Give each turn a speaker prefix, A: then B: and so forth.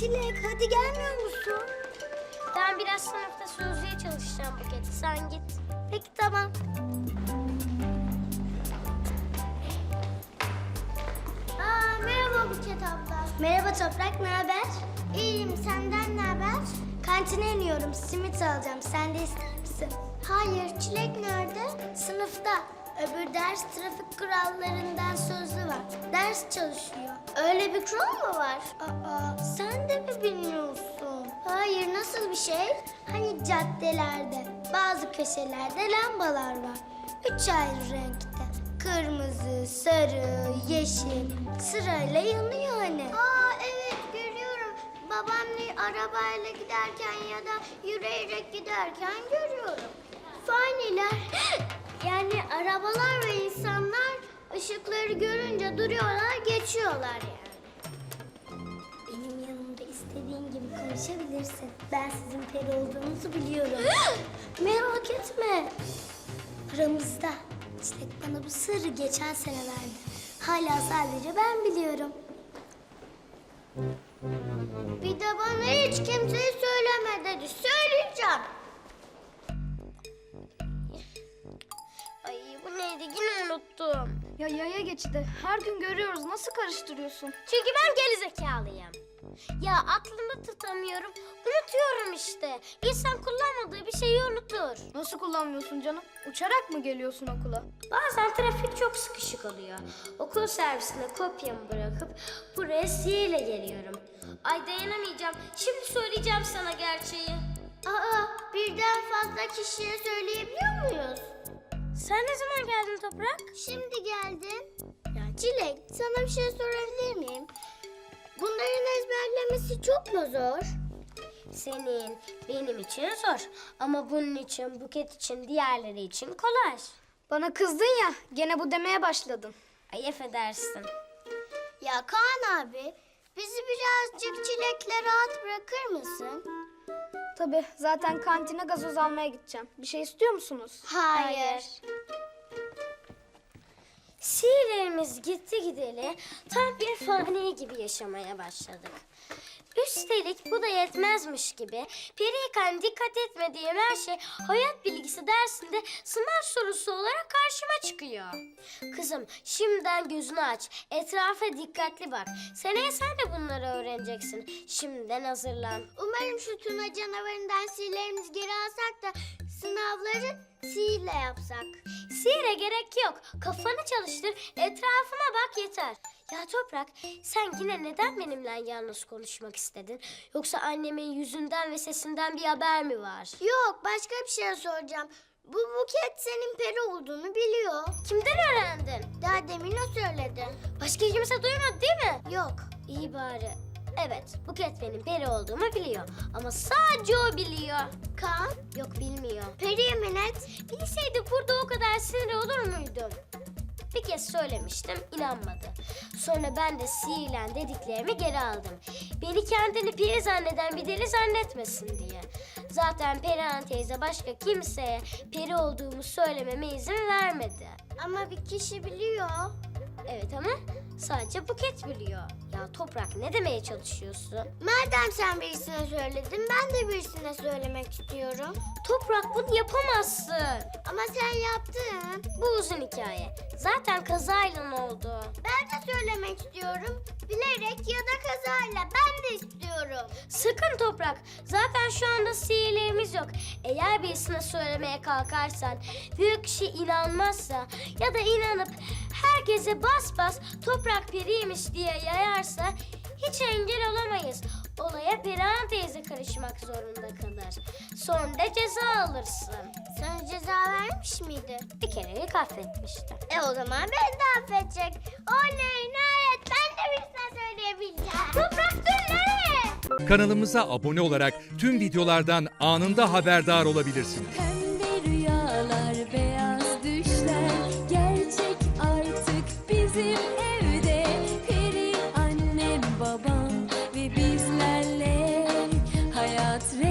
A: Çilek hadi gelmiyor musun?
B: Ben biraz sınıfta sözlüğe çalışacağım Buket. Sen git.
A: Peki tamam. Merhaba Buket abla.
B: Merhaba Toprak, ne haber?
A: İyiyim, senden ne haber?
B: Kantine iniyorum, simit alacağım. Sen de ister misin?
A: Hayır, Çilek nerede?
B: Sınıfta. Öbür ders trafik kurallarından sözlü var. Ders çalışıyor.
A: Öyle bir kural mı var?
B: Sen de mi bilmiyorsun?
A: Hayır, nasıl bir şey?
B: Hani caddelerde, bazı köşelerde lambalar var. 3 ayrı renkte. Kırmızı, sarı, yeşil. Sırayla yanıyor hani.
A: Evet görüyorum. Babamla arabayla giderken ya da yürüyerek giderken görüyorum. Faniler, yani arabalar ve insanlar ışıkları görünce duruyorlar, geçiyorlar yani.
B: Benim yanımda istediğin gibi konuşabilirsin. Ben sizin peri olduğunuzu biliyorum. Merak etme. Aramızda. Çilek bana bu sırrı geçen sene verdi. Hala sadece ben biliyorum.
A: Bir de bana hiç kimseye söyleme dedi. Söyleyeceğim.
B: Ay bu neydi? Yine unuttum.
C: Ya yaya geçidi. Her gün görüyoruz. Nasıl karıştırıyorsun?
B: Çünkü ben gerizekalıyım. Ya aklımda tutamıyorum. Unutuyorum işte. İnsan kullanmadığı bir şeyi unutur.
C: Nasıl kullanmıyorsun canım? Uçarak mı geliyorsun okula?
B: Bazen trafik çok sıkışık oluyor. Okul servisine kopyamı bırakıp buraya sihirle geliyorum. Ay dayanamayacağım. Şimdi söyleyeceğim sana gerçeği.
A: Birden fazla kişiye söyleyebiliyor muyuz?
B: Sen ne zaman geldin Toprak?
A: Şimdi geldim. Ya Çilek, sana bir şey sorabilir miyim? Bunların ezberlemesi çok mu zor?
B: Senin, benim için zor. Ama bunun için, Buket için, diğerleri için kolay.
C: Bana kızdın ya. Gene bu demeye başladın.
B: Ay affedersin.
A: Ya Kaan abi, bizi birazcık Çilek'le rahat bırakır mısın?
C: Tabii. Zaten kantine gazoz almaya gideceğim. Bir şey istiyor musunuz?
A: Hayır.
B: Sihirlerimiz gitti gideli tam bir fani gibi yaşamaya başladık. Üstelik bu da yetmezmiş gibi periyken dikkat etmediğim her şey hayat bilgisi dersinde sınav sorusu olarak karşıma çıkıyor. Kızım şimdiden gözünü aç, etrafa dikkatli bak. Seneye sen de bunları öğreneceksin. Şimdiden hazırlan.
A: Umarım şu Tuna canavarından sihirlerimizi geri alsak da sınavları sihirle yapsak.
B: Sihire gerek yok. Kafanı çalıştır, etrafına bak yeter. Ya Toprak, sen yine neden benimle yalnız konuşmak istedin? Yoksa annemin yüzünden ve sesinden bir haber mi var?
A: Yok, başka bir şey soracağım. Bu Buket senin peri olduğunu biliyor.
B: Kimden öğrendin?
A: Daha demin o söyledi.
B: Başka kimse duymadı değil mi?
A: Yok.
B: İyi bari. Evet, Buket benim peri olduğumu biliyor. Ama sadece o biliyor.
A: Kaan,
B: Yok bilmiyor.
A: peri yemin et.
B: Bilseydi burada o kadar sinir olur muydum? Bir kez söylemiştim, inanmadı. Sonra ben de sihirlen dediklerimi geri aldım. Beni kendini peri zanneden bir deli zannetmesin diye. Zaten Perihan teyze başka kimseye peri olduğumu söylememe izin vermedi.
A: Ama bir kişi biliyor.
B: Evet ama sadece Buket biliyor. Ya Toprak ne demeye çalışıyorsun?
A: Madem sen birisine söyledin, ben de birisine söylemek istiyorum.
B: Toprak bunu yapamazsın.
A: Ama sen yaptın.
B: Bu uzun hikaye. Zaten kazayla oldu.
A: Ben de söylemek istiyorum. Bilerek ya da kazayla. Ben de istiyorum.
B: Sakın Toprak. Zaten şu anda sihirlerimiz yok. Eğer birisine söylemeye kalkarsan, büyük kişi inanmazsa ya da inanıp herkese bas bas Toprak periymiş diye yayarsa hiç engel olamayız. Olaya Perihan teyze karışmak zorunda kalır. Sonra da ceza alırsın.
A: Sana ceza vermiş miydi?
B: Bir kerelik affetmişti.
A: O zaman beni de affedecek. Oley nihayet ben de birisine söyleyebileceğim. Toprak dur nereye?
D: Kanalımıza abone olarak tüm videolardan anında haberdar olabilirsiniz.
E: Pembe rüyalar, beyaz düşler gerçek artık bizim evde. Peri annem, babam ve bizlerle hayat